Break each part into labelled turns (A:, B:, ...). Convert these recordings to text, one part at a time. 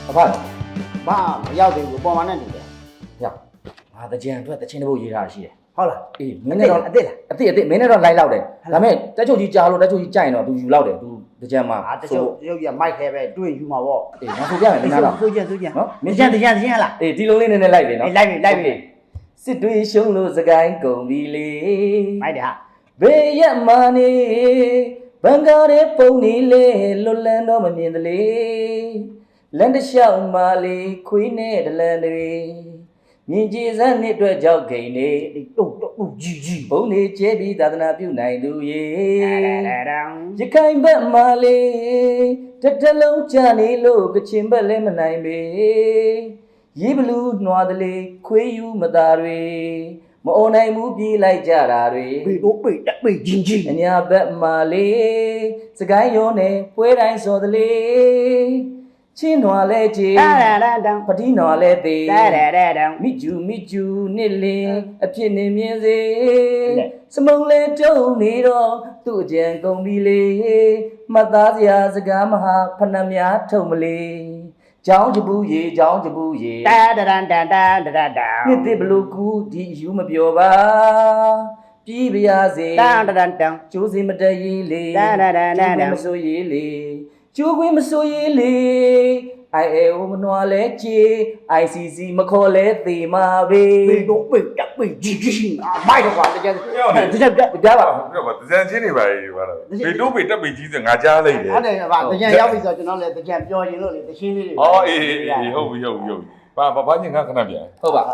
A: ဘာ
B: ဘာမရောက်သေးဘူးပေါ်မှာနဲ့တူတယ်
A: ရောက်ငါတကြံအတွက်တချင်းတစ်ပုတ်ရေးထားရှိတယ်
B: ဟုတ်လား
A: အေးမင်းနဲ့တော့
B: အစ်လား
A: အစ်မင်းနဲ့တော့လိုက်လောက်တယ်ဒါပေမဲ့တက်ချုပ်ကြီးကြားလို့တက်ချုပ်ကြီးကြိုင်တော့ तू ယူလောက်တယ် तू တကြံမှာ
B: တက်ချုပ်ရုပ်ကြီးမိုက်ခဲပဲတွေ့ယူမှာပေါ့
A: အေးငါဆိုပြမယ်မင်းကတော့
B: ဆိုကြနော်တကြံဟလား
A: အေးဒီလုံးလေးနည်းနည်းလိုက်ပြီနော်
B: လိုက်ပြီ
A: စစ်တွေးရှုံးလို့စကိုင်းကုန်ပြီလေ
B: မိုက်တယ်ဟာ
A: ဘေးရက်မာနေဘန်ကားရဲ့ပုံနေလေလွတ်လန်းတော့မမြင်တလေလန်တလျှောက်မာလေးခွေးနဲ့တလန်တွေမြင်ကြည်စမ်းနှစ်အတွက်ကြောက်ခိန်နေ
B: တုတ်ကြီး
A: ဘုံနေကျဲပြီးသာသနာပြုနိုင်သူရေရခိုင်ဘက်မာလေးတလုံးကြနေလို့ကချင်ဘက်လည်းမနိုင်ပေရေးဘလူးနှွားတလေခွေးယူမသားတွေမအုံနိုင်ဘူးပြေးလိုက်ကြတာတွေ
B: ပေတော့ပေကြီး
A: အညာဘက်မာလေးစကိုင်းရုံးနဲ့ပွဲတိုင်းစော်တလေချင်းနွားလဲကြီးပတိနွားလဲသေးမိကျူနှစ်လင်းအဖြစ်နေမြင်စေစမုံလဲတုံနေတော့သူ့အကြံကုန်ပြီလေမှတ်သားစရာစကားမဟာဖဏများထုံမလေးကြောင်းကြပူရေ
B: တာ
A: နှစ်တိဘလူကူဒီယူမပြောပါပြီးပါရစေကျိုးစီမတရေးလေမဆိုရေးလေကျိုးခွင်းမဆိုရေးလေIAO မနွားလဲကြေ ICC မခေါ်လဲသေမာပဲ
B: ပေတော့ပေကြီးမိုက်တော့ကွာတကြံ
A: ပြပါ
C: တကြံချင်းနေပါလေပါလားပေတော့ပေတက်ပေကြီးဆိုငါကြားလိုက်တယ်
B: ဟုတ်တယ်ဗျတကြံရောက်ပြီဆိုကျွန်တော်လည်းတကြံပြောရင်လို့လေတချင်းလေးတွေ
C: အော်အေးဟုတ်ပြီဘာညငါခဏပြန်
A: ဟုတ်ပါ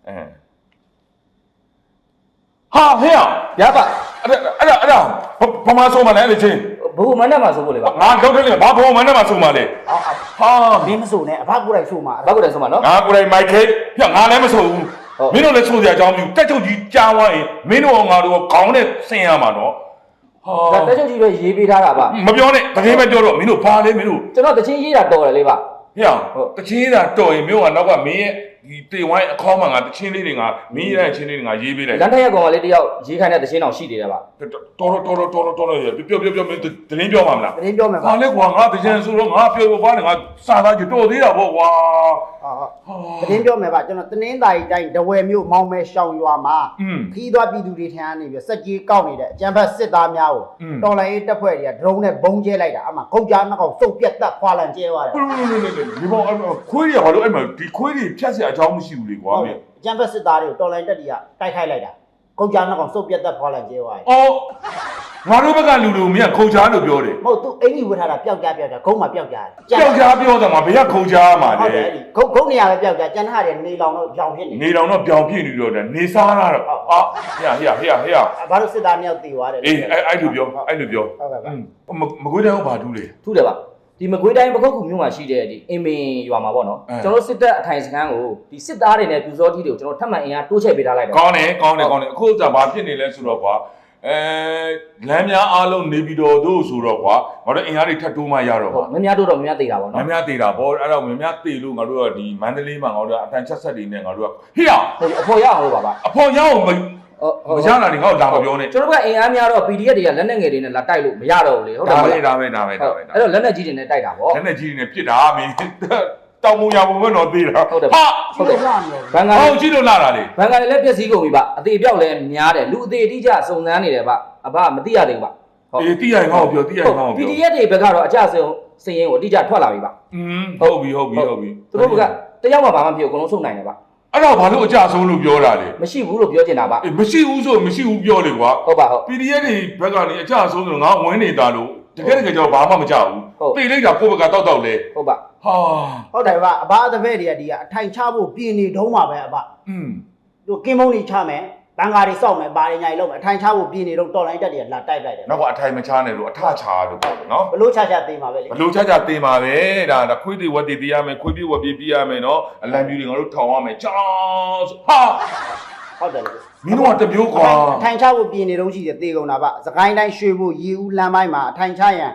C: ဟာဟဲ့
A: ရပါ
C: အဲ့ဒါဘာမှဆုံးမလဲလေချင်း
A: ဘုံမနဲ့မှာဆိုဖို့လေပါ
C: ငါထုတ်တယ်လေဘာဘုံမနဲ့မှာဆုံးမလဲ
B: ဟာမင်းမဆိုနဲ့အဖကိုယ်တိုင်ဆိုမှာ
A: အဖကိုယ်တိုင်ဆိုမှာနော်
C: ငါကိုယ်တိုင်မိုက်ခဲပြငါလည်းမဆိုဘူးမင်းတို့လည်းဆိုစရာအကြောင်းမရှိတက်ချုပ်ကြီးကြားသွားရင်မင်းတို့ငါတို့ခေါင်းနဲ့ဆင်ရမှာနော်
A: ဟာတက်ချုပ်ကြီးပဲရေးပေးထားတာပါ
C: မပြောနဲ့တကယ်ပဲပြောတော့မင်းတို့ဘာလဲမင်းတို့
A: ကျွန်တော်တချင်းရေးတာတော်တယ်လေပါ
C: ဟဲ့တချင်းရေးတာတော်ရင်မျိုးကနောက်ကမင်းရဲ့ဒီတေဝိုင်းအခေါင်းမှာငါတချင်းလေးတွေငါမင်းရဲ့ချင်းလေးတွေငါရေးပေးလိုက်
A: လန်ထက်ရက်ကောင်ကလေးတယောက်ရေးခိုင်းတဲ့တချင်းတောင်ရှိသေးတယ်ဗျ
C: တော်ပြောမင်းတင်းပြောမှာမလား
B: တင်းပြောမယ်
C: ဘာလဲကွာငါတချင်းဆိုတော့ငါပြောဘာနဲ့ငါစာသားကြတော်သေးတာပေါ့ကွာ
B: တင်းပြောမယ်ဗျကျွန်တော်တနင်္သာရီတိုင်းဒဝယ်မြို့မောင်မဲရှောင်းရွာမှာခီးသွားပြည်သူတွေထံကနေပြီးစက်ကြီးကောက်နေတဲ့အကြံဖက်စစ်သားများကိုတော်လိုင်းရေးတပ်ဖွဲ့တွေကဒရုန်းနဲ့ဘုံကျဲလိုက်တာအမှခုတ်ကြားနှောက်စုပ်ပြတ်တက်ခွာလန်ကျဲသွားတယ်
C: ဒီဘောခွေးတွေဘာလို့အဲ့မှာဒီခွေးတွေဖြတ်เสียအကြောင်းမရှိဘူးလေကွာမင်း
B: အကြံဖက်စစ်သားတွေကိုတော်လိုင်းတက်တွေကတိုက်ခိုက်လိုက်တာခုတ်ကြားနှောက်စုပ်ပြတ်တက်ခွာလန်ကျဲသွားတယ်
C: အော်ငါတို့ဘက်ကလူလူမင်းကခုတ်ကြားလို့ပြောတယ်
B: မဟုတ်သူအင်ကြီးဝတ်ထားတာပျောက်ကြားဂုံးမှာပျောက်ကြား
C: ပြောတော့ငါဘယ်ကခုတ်ကြားမှာလဲ
B: ဟုတ်တယ်ဂုံးနေရာပဲပျောက်ကြားကျန်တာတွေနေလောင်တော့ပြောင်ဖြစ်
C: နေလောင်တော့ပြောင်ဖြစ်နေတော့နေစားတာတော့အာဟေ့
B: ဘာလို့စစ်သားမြောက်တည်သွားတယ်
C: အေးအဲ့လိုပြောဟုတ်ကဲ့ဗျမကွေးတိုင်းဘာထူးလဲ
A: ထူးတယ်ပါဒီမကွေးတိုင်းပခုတ်ကူမြို့မှာရှိတဲ့ဒီအင်မင်ရွာမှာပေါ့နော်ကျွန်တော်စစ်တပ်အထိုင်စခန်းကိုဒီစစ်သားတွေနဲ့ပြူစောကြီးတွေကိုကျွန်တော်ထပ်မံအင်အားတိုးချဲ့ပေးထားလိုက်တယ်
C: ကောင်းတယ်အခုကဘာဖြစ်နေလဲဆိုတော့ကွာလမ်းများအားလုံးနေပြီးတော့တို့ဆိုတော့ကွာငါတို့အင်အားတွေထပ်တိုးမှရတော့ကွာ
A: မများတိုးတော့မများသေးတာပေါ့နော်
C: မများသေးတာပေါ့အဲ့တော့မများသေးလို့ငါတို့ကဒီမန္တလေးမှာငါတို့ကအတန်ချက်ဆက်တွေနဲ့ငါတို့ကဟေ့
A: အဖော်ရအောင်လို့ပါ
C: အဖော်ရအောင်မရတာနေငါ့ကိုလာမပြောနဲ့
A: ကျွန်တော်ကအင်အားများတော့ PDF တွေကလက်နက်ငယ်တွေနဲ့လာတိုက်လို့မရတော့ဘူးလေ
C: ဟုတ်တယ်ဒါပဲ
A: အဲ့တော့လက်နက်ကြီးတွေနဲ့တိုက်တာပေါ့
C: လက်နက်ကြီးတွေနဲ့ပြစ်တာမင်းတောင်မူရပုံပဲတော့သေးတာ
A: ဟုတ်တယ်
B: ဟုတ်တယ်
A: ဘန်ကာ
C: ဟုတ်ရှိလို့လာတာလေ
A: ဘန်ကာလည်းပြည့်စည်ကုန်ပြီပါအသေးပြောက်လည်းများတယ်လူအသေးအတိကျစုံစမ်းနေတယ်ဗျအဘမသိရသေးဘူးဗျ
C: ဟုတ်အေးသိရရင်ငါ့ကိုပြော
A: PDF တွေဘက်ကတော့အကြဆုံးစရင်ကိုအတိကျထွက်လာပြီဗျ
C: ဟုတ်ပြီ
A: သူတို့ကတယောက်မှဘာမှမဖြစ်ဘူးအကုန်လုံးစုံနိုင်တယ်ဗျ
C: အဲ့တော့ဘာလို့အကြဆုံးလို့ပြောတာလဲ
A: မရှိဘူးလို့ပြောချင်တာဗျ
C: မရှိဘူးဆိုမရှိဘူးပြောလေကွာ
A: ဟုတ်ပါဟုတ်
C: PDF တွေဘက်ကနေအကြဆုံးဆိုတော့ငါဝင်နေတာလို့တကယ်ကျွန်တော်ဘာမှမကြောက်ဘူးပြေးလိုက်တာကိုယ့်ဘက်ကတောက်လေ
A: ဟုတ်ပါ
B: ဟာဟုတ်တယ်ဗျအဘအတပည့်တွေကဒီကအထိုင်ချဖို့ပြင်နေတုံးပါပဲအဘသူကင်းမုံတွေချမယ်ဘန်ကာတွေစောက်မယ်ဘာတွေညာတွေလုပ်မယ်အထိုင်ချဖို့ပြင်နေတော့တော်လိုင်းတက်တွေကလာတိုက်လိုက်တယ်
C: နောက်ကအထိုင်မချနဲ့လို့အထချလို့ပြောတယ်နော်
B: ဘလို့ချသေးမှာပဲလေ
C: ဘလို့ချသေးမှာပဲဒါခွေးတွေဝက်တွေပေးရမယ်ခွေးပြေးဝက်ပြေးရမယ်နော်အလံပြူတွေငါတို့ထောင်ရမယ်ကြောင်းဟာ
B: ဟုတ်တယ်လေ
C: မင်းတို့ကတမျိုးကွာ
B: အထိုင်ချဖို့ပြင်နေတော့ရှိတယ်သေကုန်တာဗျစကိုင်းတိုင်းရွှေဘိုရေဦးလမ်းပိုင်းမှာအထိုင်ချရန်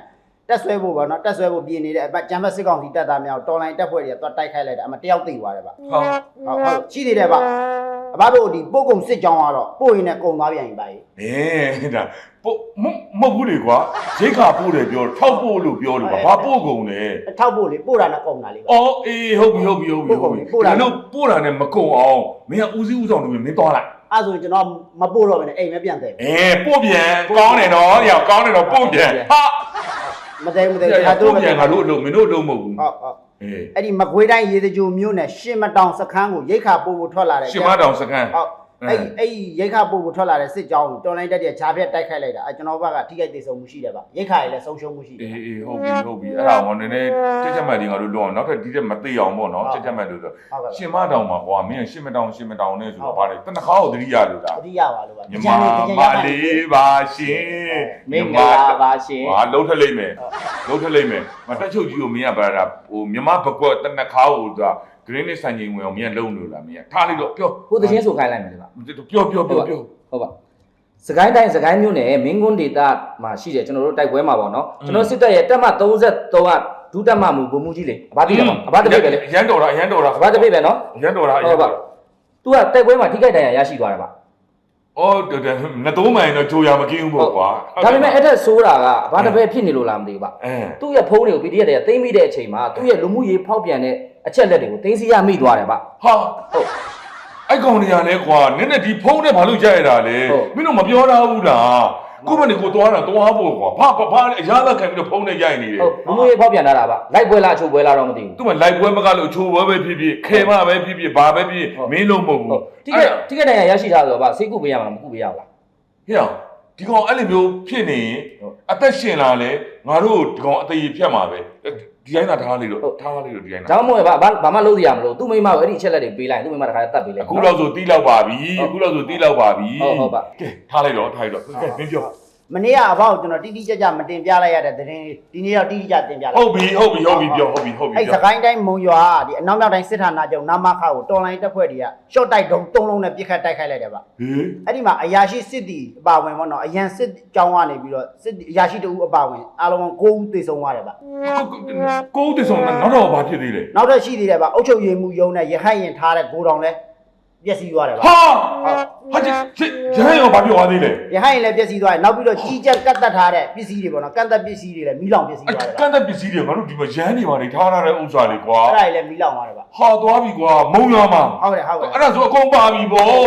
B: တက်ဆွဲဖို့ပေါ့နော်တက်ဆွဲဖို့ပြင်နေတဲ့အကျန်းဖက်စစ်ကောင်စီတက်သားများတော်လိုင်းတက်ဖွဲ့တွေကသွားတိုက်ခိုက်လိုက်တာအမတယောက်သိသွားတယ်ဗျ ဟုတ်ရှိသေးတယ်ဗျအဘတို့ဒီပို့ကုံစစ်ကြောင်းကတော့ပို့ရင်လည်းကုံသွားပြန်ပြီဗျ
C: ဒါပို့မဟုတ်ဘူးလေကွာရိတ်ခါပို့တယ်ပြောထောက်ပို့လို့ပြောလို့ဘာပို့ကုန်လဲ
B: အထောက်ပို့လေပို့တာနဲ့ကုံတာလေးဗျ
C: အော်အေးဟုတ်ပြီပို့တာနဲ့မကုန်အောင်မင်းကဦးစီးဦးဆောင်နေမင်းသွားလိုက်
B: အဲ့ဆိုရင်ကျွန်တော်မပို့တော့ဘဲနဲ့အိမ်ပဲပြန်တယ်
C: ပို့ပြန်ကောင်းတယ်နော်ညကောင်းတယ်နော်ပို့ပြန်ဟာ
B: မသိဒါ
C: တို့ပြန်ငါတို့အလုပ်မင်းတို့အလုပ်မဟုတ်ဘူး
B: ဟုတ်အဲ့ဒီမကွေးတိုင်းရေစကြိုမြို့နယ်ရှင်းမတောင်စခန်းကိုရိတ်ခါပို့ဖို့ထွက်လာတယ်
C: ရှင်းမတောင်စခန်း
B: ဟုတ်အဲ့ရိတ်ခါပို့ဖို့ထွက်လာတဲ့စစ်ကြောင်းကိုတော်လိုင်းတက်တဲ့ဂျားပြက်တိုက်ခိုက်လိုက်တာအဲ့ကျွန်တော်ဘက်ကထိခိုက်သေးဆုံးမှုရှိတယ်ဗျရိတ်ခါရည်လည်းဆုံးရှုံးမှုရှိတယ်
C: အေးဟုတ်ပြီအဲ့ဒါဟောနည်းနည်းတက်မှတ်တွေငါတို့လွန်အောင်နောက်ထပ်ဒီတက်မသိအောင်ပေါ့နော်တက်မှတ်လို့ဆိုရှင်းမတောင်မှာကွာမင်းရှင်းမတောင်နဲ့ဆိုတော့ဗါတယ်တနခါကိုတတိယလို့ဒါ
B: တတိယပါလို့ပါ
C: မြန်မာမလေးပါရှင်
A: မင်္ဂလာပါရှင်
C: ဟာလုံးထလိုက်မယ်မတက်ချုပ်ကြီးကိုမင်းကဗါတာဟိုမြန်မာဘကွက်တနခါကိုသူက green နဲ့ဆိုင်ကြီးဝင်အောင်မင်းကလုံးလို့လားမင်းကထားလိုက်တော့ပြော
A: ကိုတချင်းဆိုခိုင်းလိုက်မယ်လေပါ
C: ပြော
A: ဟုတ်ပါစကိုင်းတိုင်းစကိုင်းမြို့နယ်မင်းကွန်းဒေသမှာရှိတယ်ကျွန်တော်တို့တိုက်ပွဲမှာပေါ့နော်ကျွန်တော်စစ်တပ်ရဲ့တက်မ33ကဒုတက်မမှုဘုံမှုကြီးလေအဘတိတယ်ပေါ့အဘတပိတ်ပဲလေ
C: ရန်တော်တာ
A: အဘတပိတ်ပဲနော်
C: ရန်တော်တာ
A: ဟုတ်ပါသူကတိုက်ပွဲမှာထိခိုက်ဒဏ်ရာရရှိသွားတယ်ပါ
C: အော်ငတိုးမိုင်တော့ကြိုရမကင်းဘူးပေါ့ကွာ
A: ဒါပေမဲ့အဲ့ထက်ဆိုးတာကအဘတပိတ်ဖြစ်နေလို့လားမသိဘူးပါသူ့ရဲ့ဖုန်းတွေကို PDF တွေကသိမ်းမိတဲ့အချိန်မှာသူ့ရဲ့လူမှုရေးဖောက်ပြန်တဲ့အချက်လက်တွေကိုသိမ်းဆည်းရမိသွားတယ်ပါ
C: ဟာဟုတ်အဲ့ကောင်တွေကလည်းကွာနည်းနည်းဒီဖုန်းနဲ့ဘာလို့ကြရတာလဲမင်းတို့မပြောထားဘူးလားကိုမနေကိုသွားတာသွားဖို့ကွာဘာအရာလက်ခံပြီးတော့ဖုန်းနဲ့ရိုက်နေတယ်
A: ဟုတ်လူမှုရေးဖောက်ပြန်တာပါလိုက်ပွဲလားအချိုးပွဲလားတော့မသိဘူး
C: သူမလိုက်ပွဲမကလို့အချိုးပွဲပဲဖြစ်ဖြစ်ခဲမပဲဖြစ်ဖြစ်ဘာပဲဖြစ်မင်းလုံးမဟုတ်ဘူး
A: တိကတန်ရရရှိတာဆိုတော့ဗာစိတ်ကူပေးရမှာမကူပေးရဘူးလား
C: ဟဲ့ဒီကောင်အဲ့လိုမျိုးဖြစ်နေရင်အသက်ရှင်လာလဲငါတို့ဒီကောင်အသေးဖြတ်မှာပဲဒီတိုင်းသာထားလိုက်တော့ဒီတိုင်းသာ
A: ဒါမှမဟုတ်ဘာမှလုပ်ရမလို့သူ့မိမကိုအဲ့ဒီအချက်လက်တွေပေးလိုက်သူ့မိမတခါတတ်ပေးလိုက်
C: အခုလောက်ဆိုတီးလောက်ပါပြီဟုတ်ပါ
A: ဟုတ်ပါ
C: ကဲထားလိုက်တော့ကဲမင်းပြော
B: မနေ့ကအဘောက်ကျွန်တော်တိတိကျကျမတင်ပြလိုက်ရတဲ့သတင်းဒီနေ့တော့တိတိကျတင်ပြလိုက်
C: ဟုတ်ပြီပြောဟုတ်ပြီ
B: အဲ့စကိုင်းတိုင်းမုံရွာဒီအနောက်မြောက်တိုင်းစစ်ဌာနချုပ်နာမခါကိုတော်လိုင်းတက်ဖွဲ့တွေကရှော့တိုက်တုံး3လုံးနဲ့ပြစ်ခတ်တိုက်ခိုက်လိုက်တယ်ဗျ
C: ဟေး
B: အဲ့ဒီမှာအရာရှိစစ်တီအပါဝင်ပေါ့နော်အရန်စစ်ကြောင်းကနေပြီးတော့စစ်အရာရှိတဦးအပါဝင်အားလုံး9ဦးသေဆုံးသွားတယ်ဗျ
C: ကိုဦးတဆုံနောက်တော့ဘာဖြစ်သေးလဲ
B: နောက်ထပ်ရှိသေးတယ်ဗျအုတ်ချုပ်ရည်မှုယုံနဲ့ရဟတ်ရင်ထားတဲ့ဂိုးတောင်လဲပျက်စီးသွားတယ်ဗျ
C: ဟာဟာရဟဲ့ရောဘာပြောသွားသေးလဲ
B: ရဟတ်ရင်လည်းပျက်စီးသွားတယ်နောက်ပြီးတော့ကြီးကြက်ကတ်တက်ထားတဲ့ပစ္စည်းတွေပေါ့နော်ကတ်တက်ပစ္စည်းတွေလည်းမီးလောင်ပျက်စီးသွားတယ်ဗျ
C: ကန့်တဲ့ပစ္စည်းတွေငါတို့ဒီမှာရမ်းနေပါလေထားထားတဲ့ဥစ္စာတွေကွာ
B: အဲ့ဒါတွေလည်းမီးလောင်သွားတယ်ဗျ
C: ဟာသွားပြီကွာမုံရမှာ
B: ဟုတ်တယ်
C: အဲ့ဒါဆိုအကုန်ပါပြီဗောဟာ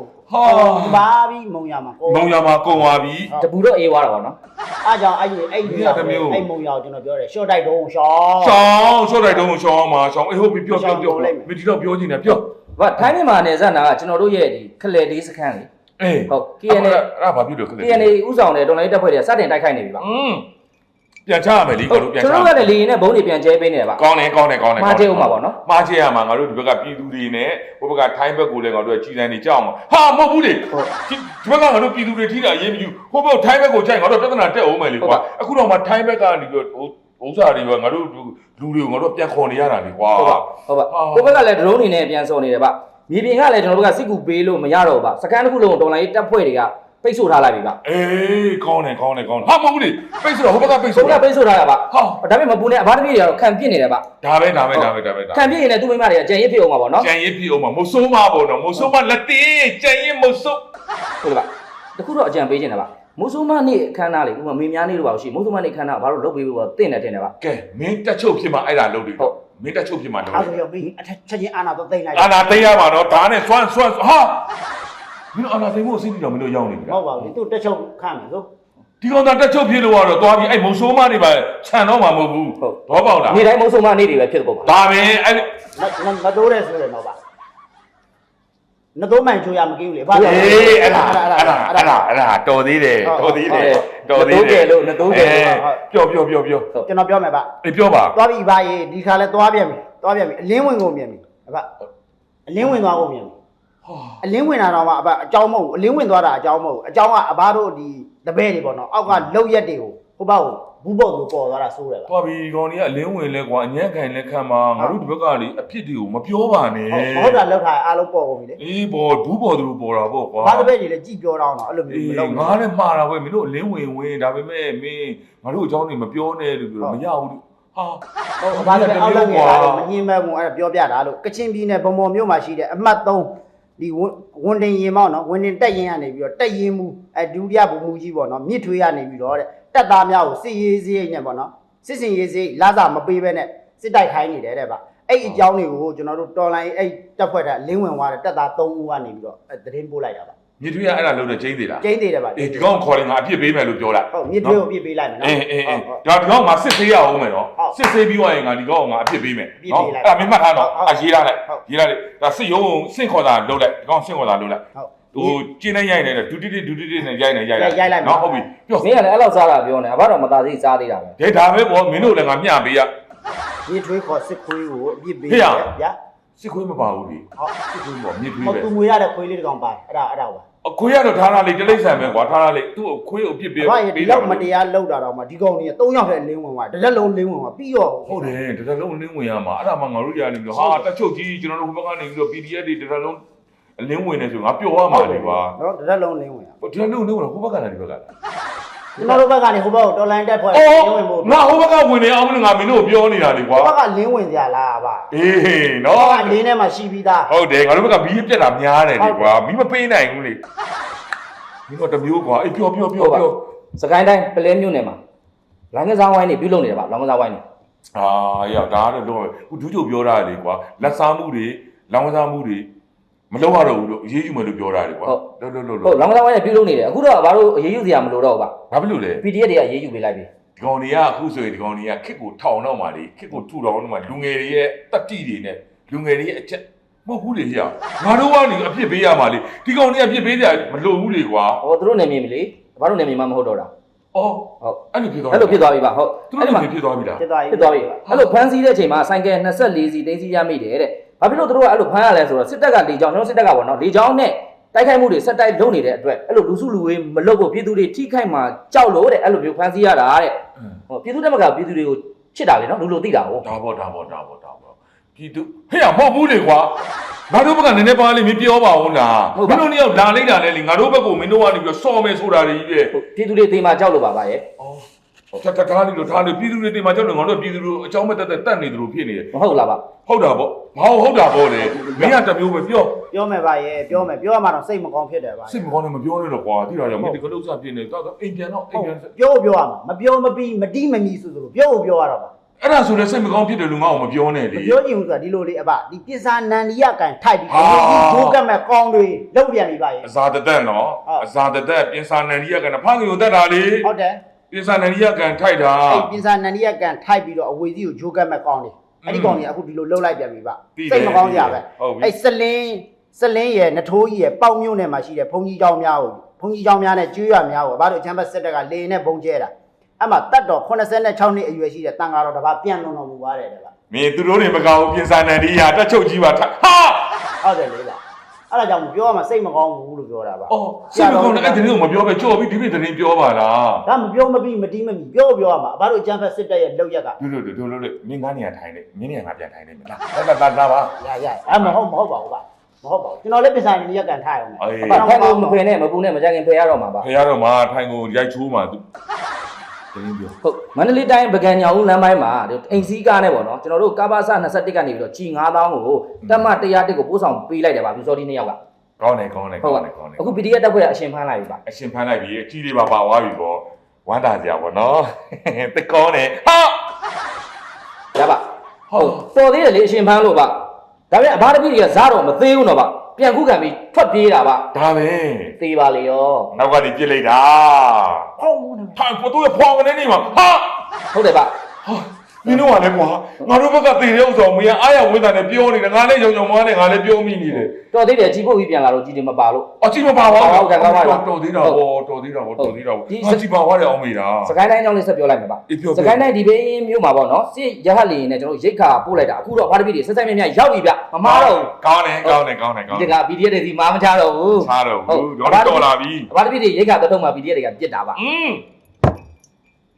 B: ပါပြီမုံရမှာ
C: မုံရမှာကုန်သွားပြီ
A: တပူတော့အေးသွားတာပေါ့နော်
B: အားကြောင့်အဲ့မုံရကိုကျွန်တော်ပြောတယ်ရှော့တိုက်တုံးရှော့
C: ရှောင်းရှော့တိုက်တုံးရှောင်းမှာရှောင်းအေးဟုတ်ပြီပြောမင်းဒီတော့ပြောချင်တယ်ပြော
A: ဗာထိုင်းမြန်မာနယ်စပ်နာကကျွန်တော်တို့ရဲ့ဒီခလေလေးစခန်းလေ
C: အေး
A: ဟုတ် KNA
C: အဲ့ဘာဖြစ်လို့ခလဲ
A: KNA ဥဆောင်တဲ့တော်လိုင်းတပ်ဖွဲ့တွေကစတင်တိုက်ခိုက်နေပြီပါ
C: ပြန်ချရမယ်လीငါတို့ပြန်ချ
A: ကျွန်တော်ကလည်းလေရင်နဲ့ဘုံတွေပြန်ကျဲပေးနေတယ်ပါ
C: ကောင်းတယ်
A: မှားချေဦးမှာပေါ့နော်
C: မှားချေရမှာငါတို့ဒီဘက်ကပြည်သူတွေနဲ့ဟိုဘက်ကထိုင်းဘက်ကိုလည်းငါတို့ကြီးစန်းနေကြောက်မှာဟာမဟုတ်ဘူးလေဒီဘက်ကငါတို့ပြည်သူတွေထိတာအရေးမကြီးဟိုဘက်ထိုင်းဘက်ကိုကြိုက်ငါတို့ပြဿနာတက်အောင်မယ်လေကွာအခုတော့မှထိုင်းဘက်ကနေပြီးတော့ဥစ္စာတွေကငါတို့လူတွေကိုငါတို့ပြန်ခေါ်နေရတာလေကွာ
A: ဟုတ်ပါကိုဘက်ကလည်း drone တွေနဲ့ပြန်စော်နေတယ်ပါမြေပြင်ကလည်းကျွန်တော်တို့ကစစ်ကူပေးလို့မရတော့ပါစကန်တစ်ခုလုံးတော်လိုင်းတပ်ဖွဲ့တွေကပိတ်ဆို့ထားလိုက်ပြီပါ
C: အေးကောင်းတယ်ဟာမဟုတ်ဘူးလေပိတ်ဆိုတော့ဟိုဘက်ကပိတ်
A: ဆို
C: ဆို
A: တော့ပိတ်ဆို့ထားတာပါဒါပေမဲ့မပူနဲ့အဘတမီတွေကတော့ခံပြစ်နေတယ်ပါ
C: ဒါပဲခံပြစ်
A: ရင်လည်းသူ့မိမတွေကကြံရစ်ဖြစ်အောင်ပါပေါ့နော်
C: ကြံရစ်ဖြစ်အောင်မဆိုးမပေါ့နော်မဆိုးမလက်သေးကြံရစ်မဆိုး
A: ဟုတ်ကဲ့ပါတခုတော့အကြံပေးခြင်းတယ်ပါမိုးဆိုးမနေ့အခမ်းအနားလေးဥပမာမေများနေ့လို့ပါရှိမိုးဆိုးမနေ့အခမ်းအနားဘာလို့လုပ်ပေးဖို့တင့်တယ်တင်တယ်ပါ
C: ကဲမင်းတက်ချုပ်ဖြစ်မှအဲ့ဒါလုပ်တယ်မင်းတက်ချုပ်ဖြစ်မှလုပ်တယ်
B: အဲ့ဒါရောမင်းအထက်ချက်ချင်းအာနာတော့တိတ်လိုက်
C: အာနာသိရပါတော့ဒါနဲ့ဆွမ်းဟာမင်းအာနာသိမှုအစီအစဉ်တော့မင်းတို့ရောက်နေပြီ
B: မဟုတ်ပါဘူးသူတက်ချုပ်ခန့်မယ်ဆို
C: ဒီကောင်သာတက်ချုပ်ဖြစ်လို့ကတော့သွားပြီးအဲ့မုံဆိုးမတွေပါခြံတော့မှာမဟုတ်ဘူးဘောပေါက်လား
A: နေ့တိုင်းမိုးဆိုးမနေ့တွေပဲဖြစ်တော့ပါ
C: ဒါပဲအဲ့
B: မတိုးတဲ့ဆိုတယ်တော့ပါနတိုးမှန်ချိုးရမကင်းဘူးလေဘာကြောင့်
C: အေးအဲ့ဒါတော်သေးတယ်တော်သေးတယ်
A: လို့နတိုးကဲလို့
C: ပြော
B: ကျွန်တော်ပြောမယ်ဗျ
C: အေးပြောပါ
B: သွားပြီဘာရေးဒီခါလဲသွားပြန်ပြီအလင်းဝင်ကုန်ပြန်ပြီဗျအလင်းဝင်သွားကုန်ပြန်ပြီအလင်းဝင်တာတော့မှအကြောင်းမဟုတ်ဘူးအလင်းဝင်သွားတာအကြောင်းမဟုတ်ဘူးအကြောင်းကအဘတို့ဒီတပည့်တွေပေါ့နော်အောက်ကလောက်ရက်တွေကိုဟိုဘောက်ဘူးပေါ့လို့ပေါ်သွားတာစိုးတယ်ဗျ
C: သွားပြီကောင်ကြီးကအလင်းဝင်လဲကွာအညံ့ခံလဲခံမှာငါတို့ဒီဘက်ကလေအဖြစ်တွေကိုမပြောပါနဲ့
B: ဟုတ်တာလောက်ထားအားလုံးပေါ်ကုန်ပြီလေ
C: အေးပေါ်ဘူးပေါ်သူတို့ပေါ်တာပေါ့ကွာ
B: ဘာတစ်ပည့်ကြီးလဲကြည့်ပြောတော့အဲ့လိုမျိုးမလုပ်
C: ငါလည်းမှားတာပဲမင်းတို့အလင်းဝင်ဒါပေမဲ့မင်းငါတို့အကြောင်းတွေမပြောနဲ့လို့ပြောမရဘူးဟာ
B: ဟုတ်ဘာတစ်ပည့်အောက်လောက်နေတာမငြင်းမဲ့ဘူးအဲ့ဒါပြောပြတာလို့ကချင်ပြည်နယ်ဗမော်မြို့မှာရှိတဲ့အမှတ်3ဒီဝန်တင်ရင်မောက်နော်ဝန်တင်တက်ရင်ကနေပြီးတော့တက်ရင်မူဒုတိယဗိုလ်မှူးကြီးပေါ့နော်မြစ်ထွေးကနေပြီးတော့တဲ့တက်သားများကိုစစ်ရေးစရိတ်နဲ့ပေါ့နော်စစ်စင်ရေးစရိတ်လာစာမပေးဘဲနဲ့စစ်တိုက်ခိုင်းနေတယ်တဲ့ဗျအဲ့အကြောင်းတွေကိုကျွန်တော်တို့တော်လိုင်းအဲ့တက်ဖွဲ့တဲ့လင်းဝင်သွားတဲ့တက်သား3ဦးကနေပြီးတော့သတင်းပို့လိုက်တာဗျ
C: မြစ်ထွေးကအဲ့ဒါလုံးနဲ့ကျင်းသေးလား
B: ကျင်းသေးတယ်ဗျ
C: အေးဒီကောင်ခေါ်ရင်ငါအပြစ်ပေးမယ်လို့ပြောလိုက်
B: ဟုတ်မြစ်ထွေးကိုပြစ်ပေးလိုက်မယ်နော်
C: အေးဒါဒီကောင်ငါစစ်ဆေးရအောင်မယ်နော်စစ်ဆေးပြီးသွားရင်ငါဒီကောင်ငါအပြစ်ပေးမယ်နော်အဲ့ဒါမင်းမှတ်ထားတော့ရေးထားလိုက်ဒါစစ်ရုံးစင့်ခေါ်တာလုပ်လိုက်ဒီကောင်စင့်ခေါ်တာလုပ်လိုက်ဟိုကျင်းနေရိုက်နေတယ်ဒူတီနဲ့ရိုက်လိုက်နော်ဟုတ်ပြီပြော
A: မင်းကလည်းအဲ့လောက်စားတာပြောနေအဘတော်မသားသေးစားသေးတာပဲ
C: ဒါပဲပေါ့မင်းတို့လည်းငါမျှပေးရ
B: မြစ်ထွေးခေါ်စစ်ခွေးကိုအပြစ်ပေးတယ်ဗျာ
C: စစ်ခွေးမပါဘူးလေစစ်ခွေးပေါ့မြစ်ထွေး
B: ဟော
C: ပဲ
B: သူငွေရတဲ့ခွေးလေးတကောင်ပါတယ်အဲ့ဒါပါ
C: အခွေးကတော့ထားလာလေတလိမ့်ဆန်ပဲကွာထားလာလေသူ့ကိုခွေးကိုအပြစ်ပေး
B: ဘာဒီလောက်မတရားလောက်တာတော့မှဒီကောင်ကြီး3ယောက်နဲ့လင်းဝင်သွားတစ်လက်လုံးလင်းဝင်သွားပြီးတော့
C: ဟုတ်တယ်တရလုံးလင်းဝင်ရမှာအဲ့ဒါမှငါတို့ရနေပြီးတော့ဟာတက်ချုပ်ကြီးကျွန်တော်တို့ဘက်ကနေပြီးတော့ PDF တွေတရလုံးအလင်းဝင်နေဆိုငါပျော်ရမှာလေကွာ
B: နော်တစ်လက်လုံးလင်းဝင်ရ
C: ဟိုတရလုံးလင်းဝင်ဟိုဘက်ကလာဒီဘက်ကလာ
B: ကျွန်တော်တို့ဘက်ကနေဟိုဘက်ကိုတော်လိုင်းတက်ဖွဲ့လင်းဝင်ဖို့
C: ငါဟိုဘက်ကဝင်နေအောင်လို့ငါမင်းတို့ပြောနေတာလေကွာ
B: ဟိုဘက်ကလင်းဝင်ကြလားဗျာ
C: အေးနော်
B: အလင်းထဲမှာရှိပြီးသား
C: ဟုတ်တယ်ငါတို့ဘက်ကဘီးပြက်တာများတယ်လေကွာမီးမပေးနိုင်ဘူးလေမင်းတို့တမျိုးကွာအေးပြော
A: စကိုင်းတိုင်းပလဲမြို့နယ်မှာလောင်ကစားဝိုင်းနေပြုလုပ်နေတယ်ဗျလောင်ကစားဝိုင်းနေ
C: အာရဒါကတော့တော့ခုဒူးချုပ်ပြောတာလေကွာလက်စားမှုတွေလောင်ကစားမှုတွေမလုပ်ရတော့ဘူးလို့အရေးယူမယ်လို့ပြောတာလေကွာလို့
A: ဟုတ်လောင်ကစားဝိုင်းနေပြုလုပ်နေတယ်အခုတော့ဘာလို့အရေးယူစရာမလိုတော့ဘူးဗျ
C: ဘာဖြစ်လို့လဲ
A: PDF တွေကအရေးယူပေးလိုက်ပြီ
C: ဒီကောင်တွေကအခုဆိုရင်ဒီကောင်တွေကခစ်ကိုထောင်တော့မှလေခစ်ကိုထူတော်တော့မှလူငယ်တွေရဲ့တတိတွေနဲ့လူငယ်တွေရဲ့အချက်မဟုတ်ဘူးလေကြာငါတို့ကနေအပြစ်ပေးရမှာလေဒီကောင်တွေကအပြစ်ပေးကြမလိုဘူးလေကွာ
A: ဟောသူတို့နေမြင်ပြီလေဘာလို့နေမြင်မှမဟုတ်တော့တာ
C: အော်
A: ဟုတ်
C: အဲ့လိုဖြစ်သွား
A: အဲ့လိုဖြစ်သွားပြီဗျဟုတ်
C: သူတို့လည်းဖြစ်သွားပြီလား
B: ဖြစ်သွားပြီ
A: ဖြစ်သွားပြီအဲ့လိုဖမ်းဆီးတဲ့အချိန်မှာဆိုင်ကယ်24စီတင်းစီရမိတယ်တဲ့ဘာဖြစ်လို့သူတို့ကအဲ့လိုဖမ်းရလဲဆိုတော့စစ်တပ်ကလေကြောင်းကျွန်တော်စစ်တပ်ကပေါ့နော်လေကြောင်းနဲ့တိုက်ခိုက်မှုတွေဆက်တိုက်လုပ်နေတဲ့အတွက်အဲ့လိုလူစုလူဝေးမလုပ်ဖို့ပြည်သူတွေထိခိုက်မှာကြောက်လို့တဲ့အဲ့လိုမျိုးဖမ်းဆီးရတာတဲ့ဟောပြည်သူတက်မကပြည်သူတွေကိုချစ်တာလေနော်လူလိုသိတာဟုတ်
C: ဒါပေါ့ပြည်သူဟဲ့မဟုတ်ဘူးလေကွာငါတို့ဘက်ကနည်းနည်းပါးလေးမပြောပါဘူးလားမင်းတို့နှစ်ယောက်လာလိုက်တာလေငါတို့ဘက်ကမင်းတို့ကနေပြီးစော်မယ်ဆိုတာတွေကြီးပဲ
A: ပြည်သူတွေသိမှကြောက်လို့ပါဗျရဲ့
C: အော်ထားလို့ပြည်သူတွေတင်မှာကြောက်လို့ငါတို့ပြည်သူတို့အကြောင်းမဲ့တက်နေတယ်လို့ဖြစ်နေတယ်
A: မဟုတ်လားဗျ
C: ဟုတ်တာပေါ့ဘာဟုတ်တာပေါ့လေမင်းကတမျိုးပဲပြော
B: မယ်ဗျရဲ့ပြောမယ်ပြောရမှာတော့စိတ်မကောင်းဖြစ်တယ်ဗျ
C: စစ်မကောင်းနဲ့မပြောနဲ့တော့ကွာတိတာကြောင့်မင်းဒီကလုတ်စားပြင်းနေတော့အိမ်ပြန်တော့အိမ်ပြန်
B: ပြောရမှာမပြောမပြီးမတိမမီဆိုသလိုပြောရတော့ပါ
C: အဲ့ဒါဆိုလည်းစိတ်မကောင်းဖြစ်တယ်လူငါ့ကိုမပြောနဲ့လေ
B: မပြောချင်ဘူးဆိုတာဒီလိုလေးအဘဒီပစ္စာနန္ဒီယကန်ထိုက်ပြီးဂျိုးကတ်မဲ့ကောင်းတွေလောက်ပြန်ပြီဗျရဲ့
C: အစာတသက်နော်အစာတသက်ပြင်စာနန္ဒီယကနဖခင်ကိုတက်တာလေ
B: ဟုတ်တယ်
C: ပြင်စာနန္ဒီယကန်ထိုက်တာ
B: အဲ့ပစ္စာနန္ဒီယကန်ထိုက်ပြီးတော့အဝေစီကိုဂျိုးကတ်မဲ့ကောင်းတွေအဲ့ဒီကောင်းတွေအခုဒီလိုလှုပ်လိုက်ပြန်ပြီဗျစိတ်မကောင်းကြပဲအဲ့စလင်းရဲ့နထိုးကြီးရဲ့ပေါက်မြို့နယ်မှာရှိတဲ့ဘုံကြီးเจ้าများကိုဘုံကြီးเจ้าများနဲ့ကျွေးရများကိုဘာလို့အချမ်းဘတ်စစ်တပ်ကလေနဲ့ဘုံကျဲတာအဲ့မှာတတ်တော်86နှစ်အရွယ်ရှိတဲ့တန်ဃာတော်တစ်ပါးပြန်လွန်တော်မူပါတယ်တဲ့ဗျ
C: မင်းသူတို့တွေမကောင်းပြင်စာနန္ဒီယတက်ချုပ်ကြီးပါဟာ
B: ဟုတ်တယ်လေဗျအဲ့ဒါကြောင့်ပြောရမှာစိတ်မကောင်းဘူးလို့ပြောတာပါ
C: အော်စိတ်မကောင်းတဲ့အဲ့ဒီလိုမပြောပဲကြော်ပြီးဒီပြသတင်းပြောပါလား
B: ဒါမပြောမပြီးမတီးမမီပြောရမှာဘာလို့အချမ်းဘတ်စစ်တပ်ရဲ့လောက်ရက်က
C: တို့မင်းကနေရာထိုင်နေမင်းနေရာငါပြန်ထိုင်နေမလားလာပါ
B: ရအဲ့မဟုတ်ပါဘူးဗျမဟုတ်ပါဘူးကျွန်တော်လည်းပစ္စာနန္ဒီယကန်ထားရအောင်
C: အေး
A: အဖက်ကိုမဖွေနဲ့မပူနဲ့မကြခင်ဖယ်ရတော့မှာပါ
C: ဖရတော့မှထိုင်ကိုရိုက်ချိုးမှသူတင်းပြော
A: ဟုတ်မန္တလေးတိုင်းပကံညောင်ဦးလမ်းပိုင်းမှာအိမ်စည်းကားနဲ့ပေါ့နော်ကျွန်တော်တို့ကာဘာဆ21ကနေပြီးတော့ကြီး9000ကိုတက်မ101ကိုပို့ဆောင်ပေးလိုက်တယ်ဗျဘီစော်ဒီ2ယောက်က
C: ကောင်းတယ်
A: ဟုတ်ပါအခု PDF တက်ဖွဲ့ကအရှင်ဖမ်းလိုက်ပြီဗျ
C: အရှင်ဖမ်းလိုက်ပြီအကြီးလေးပါသွားပြီပေါ့ဝမ်းသာကြပါတော့တကောင်းတယ်ဟာ
A: ရပါဟုတ်တော်သေးတယ်လေအရှင်ဖမ်းလို့ဗျဒါပေမဲ့အဘာတပိတွေကဇားတော့မသေးဘူးတော့ဗျပြန်ခုခံပြီးထွက်ပြေးတာဗျ
C: ဒါပဲ
A: သေးပါလေရော
C: နောက်ကနေပြစ်လိုက်တာ
B: ဟုတ်ဘူးနော်
C: ထိုင်ပေါ်တော့ဖွာကနေနေမှာဟာ
A: ဟုတ်တယ်ဗျ
C: မင်းတို့ကလည်းကွာငါတို့ဘက်ကသေတဲ့ဥစ္စာမင်းအားရဝင်းတာနဲ့ပြောနေတယ်ငါလည်းကြောင်မားနဲ့ငါလည်းပြောမိနေတယ်
A: တော်သေးတယ်ကြီးဖို့ပြီးပြန်လာတော့ကြီးတယ်မပါလို့
C: အကြည့်မပါပါဘူးတော်သေးတာပေါ့တော်သေးတာပေါ့အကြည့်ပါသွားတယ်အောင်မိတာ
A: စကိုင်းတိုင်းအကြောင်းလေးဆက်ပြောလိုက်မှာဗျစကိုင်းတိုင်းဒီဘေးမြို့မှာပေါ့နော်စစ်ရဟတ်လီနဲ့ကျွန်တော်ရိတ်ခါပို့လိုက်တာအခုတော့ဘာတပိတွေဆက်ဆက်မြတ်ရောက်ပြီဗျမမားတော့
C: ကောင်းတယ်
A: ဒီက PDF တွေဒီမားမချတော့ဘူး
C: ချားတော့ဘူးတော်လာပြီ
A: ဘာတပိတွေရိတ်ခါတော့မှ PDF တွေကပြစ်တာဗျ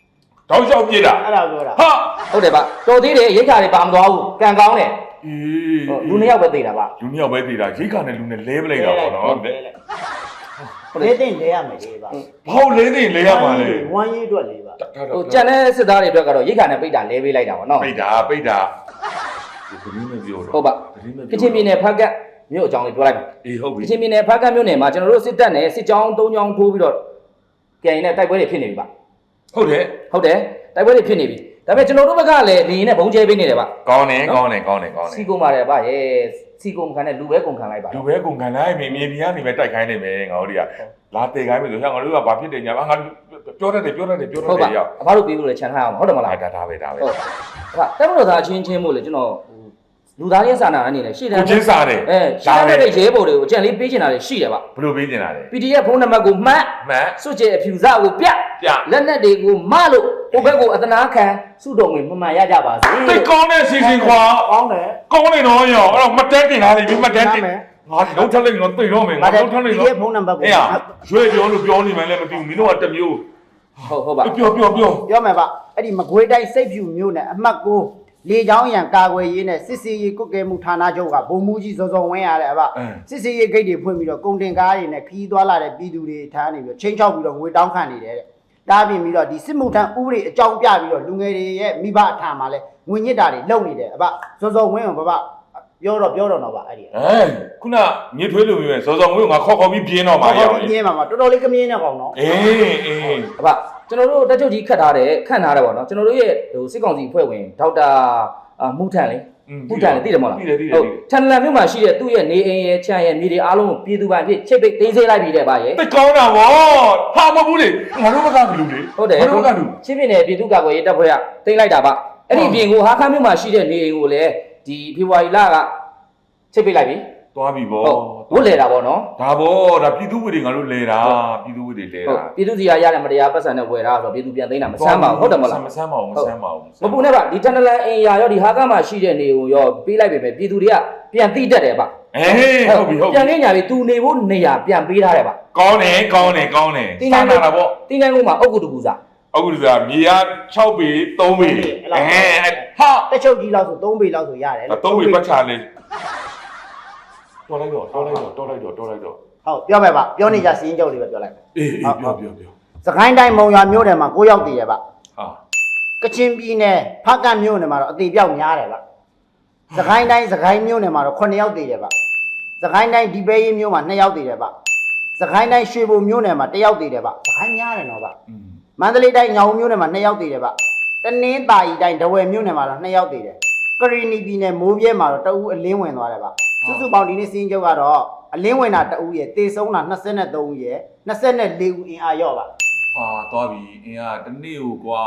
C: တောက်လျှောက်ပြစ်တာ
B: အဲ့ဒါပြောတာ
C: ဟာ
A: ဟုတ်တယ်ဗျတော်သေးတယ်ရိတ်ခါတွေပါမသွားဘူးကံကောင်းတယ်
C: အေး
A: လူနှစ်ယောက်ပဲသေးတာဗျ
C: လူနှစ်ယောက်ပဲသေးတာရိတ်ခါနဲ့လူနဲ့လဲပလိုက်တာပေါ့နော်
B: လေးသိမ့်လဲရမယ်လေပါ
C: ဘောက်လေးသိလဲရပါလေ
B: ဝမ်းရေးအတွက်လေးပါ
A: ဟိုကြံတဲ့စစ်သားတွေအတွက်ကတော့ရိတ်ခါနဲ့ပိတ်တာလဲပေးလိုက်တာပေါ့နော်
C: ပိတ်တာဒီကလေးနဲ့ပြောတော့
A: ဟုတ်ပါကချင်ပြည်နယ်ဖက်ကတ်မြို့အကြောင်းလေးပြောလိုက်ပါ
C: အေးဟုတ်ပြီ
A: ကချင်ပြည်နယ်ဖက်ကတ်မြို့နယ်မှာကျွန်တော်တို့စစ်တပ်နဲ့စစ်ကြောင်း၃ကြောင်းထိုးပြီးတော့ကြင်နဲ့တိုက်ပွဲတွေဖြစ်နေပြီဗျ
C: ဟုတ်တယ်
A: ဟုတ်တယ်တိုက်ပွဲတွေဖြစ်နေပြီဒါပေမဲ့ကျွန်တော်တို့ဘက်ကလည်းနေနဲ့ဘုံကျဲပေးနေတယ်ဗျ
C: ကောင်းတယ်ကောင်းတယ်ကောင်းတယ်
A: စီကုံပါတယ်ဗျရဲ့စီကုံခံတဲ့လူပဲကုံခံလိုက်ပါ
C: လူပဲကုန်ခံလိုက်မြေမြေပြည်ကနေပဲတိုက်ခိုင်းနေမယ်ငါတို့တွေကလာတေခိုင်းမယ်ဆိုရင်ငါတို့ကဘာဖြစ်တယ်ညာငါပြောတတ်တယ်ရောက်
A: အဖတို့ပြီးလို့လည်းခြံထားအောင်ဟုတ်တယ်မလား
C: ဒါပဲ
A: ဟုတ်တက်မလို့သားချင်းချင်းမို့လေကျွန်တော်လူသားရဲ့စာနာအနေနဲ့ရှေ့တန်း
C: ကိုချင်းစားတယ်
A: ရှားတဲ့ရဲဘော်တွေကိုအကြံလေးပေးချင်တာတွေရှိတယ်ဗျ
C: ဘယ်လိုပေးနေတာလဲ
A: PDF ဖုန်းနံပါတ်ကိုမှတ်
C: မှန်
A: စွတ်ကျဲအဖြူစကိုပြလက်နက်တွေကိုမလို့ဟိုဘက်ကိုအသနာခံစုတော်ဝင်မှန်ရကြပါစေ
C: တိတ်ကောင်းတဲ့စီစဉ်ခွာ
B: ကောင်းတယ်
C: ကောင်းနေတော့ရောအဲ့တော့မတန်းတင်လာပြီမတန်းတင်ငါလုံးထက်လိုက်တော့တိတ်တော့မယ်ငါလုံးထက်လိုက်တော့
B: ဒီဖုန်းနံပါတ်ကို
C: အေးရွှေပြောလို့ပြောနေမှလည်းမသိဘူးမင်းတို့ကတမျိုး
A: ဟုတ်ပါ
C: ပြော
B: ပြောမယ်ဗျအဲ့ဒီမကွေးတိုင်းစိတ်ဖြူမျိုးနဲ့အမှတ်ကိုလေချောင်းရံကာကွယ်ရေးနဲ့စစ်စီရေးကုတ်ကဲမှုဌာနချုပ်ကဗိုလ်မှူးကြီးစောစောဝင်းရတယ်ဗျစစ်စီရေးဂိတ်တွေဖွင့်ပြီးတော့ကုန်တင်ကားတွေနဲ့ခီးသွားလာတဲ့ပြည်သူတွေထားနေပြီးတော့ချင်းချောက်ပြီးတော့ငွေတောင်းခံနေတယ်တဲ့တားပြင်ပြီးတော့ဒီစစ်မှုထမ်းဥပဒေအကြောင်းပြပြီးတော့လူငယ်တွေရဲ့မိဘအထံမှာလဲငွေညစ်တာတွေလုပ်နေတယ်ဗျစောစောဝင်းကဗျပြောတော့တော့ဗျအဲ့ဒီ
C: ခုနမြေထွေးလူမျိုးစောစောငွေငါခေါ်ပြီးပြင်းတော့မှာ
B: ခေါ်ပြီးပြင်းမှာတော်တော်လေးကမြင်းနေကောင်နော်
C: အေး
A: အဖကျွန်တော်တို့တက်ချုပ်ကြီးခတ်ထားတယ်ခန့်ထားတယ်ပေါ့နော်ကျွန်တော်တို့ရဲ့ဟိုစစ်ကောင်စီအဖွဲ့ဝင်ဒေါက်တာမူထန်လေမူထန်လေသိတယ်မဟုတ်လားဟုတ်ထန်လန်မြို့မှာရှိတဲ့သူ့ရဲ့နေအိမ်ရဲ့ခြံရဲ့မြေတွေအားလုံးကိုပြည်သူပိုင်ဖြစ်ချိတ်ပိတ်သိမ်းဆည်းလိုက်ပြီးတဲ့ဗျရဲ့
C: တိတ်ကောင်းတာဗောဟာမဟုတ်ဘူးလေငါတို့ဘက်ကလူလေ
A: ဟုတ်တယ်
C: ငါတို့ဘက်ကလူ
A: ချင်းပြည်နယ်ပြည်သူ့ကာကွယ်ရေးတပ်ဖွဲ့ကသိမ်းလိုက်တာဗျအဲ့ဒီပြင်ကိုဟာခမ်းမြို့မှာရှိတဲ့နေအိမ်ကိုလည်းဒီဖေဖော်ဝါရီလကချိတ်ပိတ်လိုက်ပြီ
C: သွားပြီဗော
A: ဝတ်လေတာပေါ့နော်
C: ဒါဗောဒါပြည်သူဝိတွေငါတို့လဲတာပြည်သူဝိတွေလဲ
A: ဟုတ်
C: တာ
A: ပြည်သူစီကရတဲ့မတရားပတ်စံနဲ့ဝယ်တာဆိုတော့ပြည်သူပြန်သိမ်းတာမဆမ်းပါဘူးဟုတ်တယ်မလား
C: မဆမ်းပါဘူး
A: မပူနဲ့ဗျဒီတန်တလန်အင်ယာရောဒီဟာကမှာရှိတဲ့နေကိုရောပေးလိုက်ပြီပဲပြည်သူတွေကပြန်သိတတ်တယ်ဗျ
C: အေးဟုတ်ပြီ
A: ပြန်နေညာပြီသူနေဖို့နေရာပြန်ပေးထားတယ်ဗျ
C: ကောင်းတယ်စာနာတာဗော
A: တင်းတိုင်းကုန်းမှာအုတ်ကုတကူစား
C: အခုဒီကမြေက6ပေ3ပေဟာ
B: တက်ချုပ်ကြီးလောက်ဆို3ပေလောက်ဆိုရတယ်
C: 3ပေပတ်ချလေးတော်လိုက်တော့
B: ဟုတ်ပြောမယ်ဗျပြောနေကြစီးရင်ကြောက်လေးပဲပြောလိုက်
C: အေးပြော
B: စကိုင်းတိုင်းမုံရွာမြို့နယ်မှာ9ရောက်တည်တယ်ဗျ
C: ဟာ
B: ကချင်ပြည်နယ်ဖားကတ်မြို့နယ်မှာတော့အသေးပြောက်များတယ်ဗျစကိုင်းတိုင်းစကိုင်းမြို့နယ်မှာတော့9ရောက်တည်တယ်ဗျစကိုင်းတိုင်းဒီပဲရေးမြို့မှာ2ရောက်တည်တယ်ဗျစကိုင်းတိုင်းရွှေဘိုမြို့နယ်မှာ1ရောက်တည်တယ်ဗျစကိုင်းများတယ်နော်ဗျမန္တလေးတိုင်းညောင်မြို့နယ်မှာ2ရောက်တည်တယ်ဗျတနင်္သာရီတိုင်းဒဝယ်မြို့နယ်မှာတော့2ရောက်တည်တယ်ကရီနီပြည်နယ်မိုးပြဲမှာတော့တအူးအလင်းဝင်သွားတယ်ဗျစုစုပေါင်းဒီနေ့စီးရင်ချုပ်ကတော့အလင်းဝင်တာတအူးရဲ့တေဆုံးတာ23ရဲ့24ဦးအင်အားရော့ပါ
C: ဟာသွားပြီအင်းကတနေ့ကိုကွာ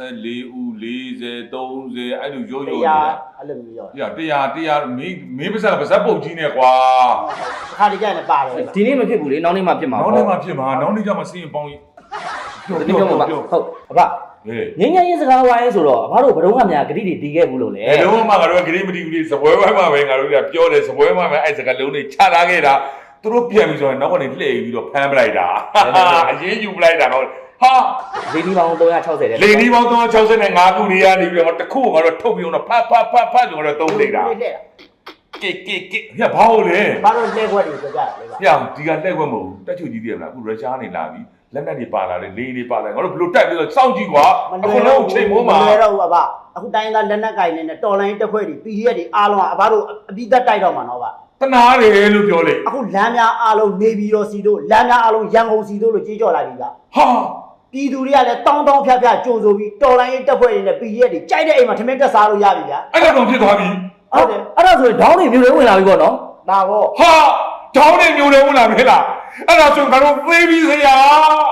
C: 24ဦး40 30အဲ့လိုရိုးရိုးနေတာ
B: အဲ့လိုမျိုးရော့
C: 100မင်းပါဇက်ပုတ်ကြီးနဲ့ကွာ
B: ခါတကြနဲ့ပါတယ်
A: ဒီနေ့မဖြစ်ဘူးလေနောက်နေ့မှဖြစ်မှာ
C: နောက်နေ့မှဖြစ်မှာနောက်နေ့ကျမှစီးရင်ပေါင်း
A: ဒီနေ့ပြောမှာဟုတ်အဖ
C: ဟေး
A: ငင်းငင်းရေးစကားဝိုင်းဆိုတော့အဖတို့ဘယ်တော့မှများဂတိတွေတီးခဲ့ဘူးလို့လေ
C: ဘယ်လုံးမှငါတို့ကဂရိမတီဘူးလေစပွဲဝိုင်းမှာပဲငါတို့ကပြောတယ်စပွဲဝိုင်းမှာအဲ့စကားလုံးတွေချထားခဲ့တာသူတို့ပြန်ပြီးဆိုရင်နောက်ကနေလှည့်ပြီးတော့ဖမ်းပလိုက်တာအရင်ယူပလိုက်တာတော့ဟာ
A: လေဒီပေါင်း360တဲ့
C: လေဒီပေါင်း365ခုတွေကနေပြီးတော့တခုငါတို့ထုတ်ပြီးတော့ဖတ်ဆိုတော့သုံးနေတာကိဟဲ့ဘာလို့လဲ
B: ဘာလို့လဲခွက်တွေကြကြလဲဗျ
C: ဟဲ့ဒီကလက်ခွက်မဟုတ်တက်ချူကြီးတည်ရမလားအခုရုရှားနေလာပြီလက်နက်တွေပါလာတယ်လေတွေပါလာငါတို့ဘလို့တက်ပြီးတော့စောင့်ကြည့်ကွာအခုလုံးချိန်မိုးမှာ
B: မလွယ်တော့ဘူးအဘအခုတိုင်းသားလက်နက်ကင်နေနဲ့တော်လိုင်းတက်ဖွဲ့တွေ PDF တွေအားလုံးကအဘတို့အပြီးသက်တိုက်တော့မှာနော်ဗျ
C: တနာတယ်လို့ပြောလေ
B: အခုလမ်းများအားလုံးနေပြည်တော်စီတို့လမ်းများအားလုံးရန်ကုန်စီတို့လို့ကြေးကြော်လာပြီဗျ
C: ဟာ
B: ပြည်သူတွေကလည်းတောင်းဖျားကြိုဆိုပြီးတော်လိုင်းတက်ဖွဲ့တွေနဲ့ PDF တွေကြိုက်တဲ့အိမ်မှာထမင်းတက်စားလို့ရပြီဗျာ
C: အဲ့တော့ဖြစ်သွားပြီ
B: ဟုတ်တယ်
A: အဲ့ဒါဆိုရင်ဒေါင်းတွေမျိုးတွေဝင်လာပြီပေါ့နော်
B: ဒါပေါ့
C: ဟာတောင်းနေမျိုးတွေဝင်လာပြီလားအဲ့ဒါဆိုငါတို့သေးပြီစရာ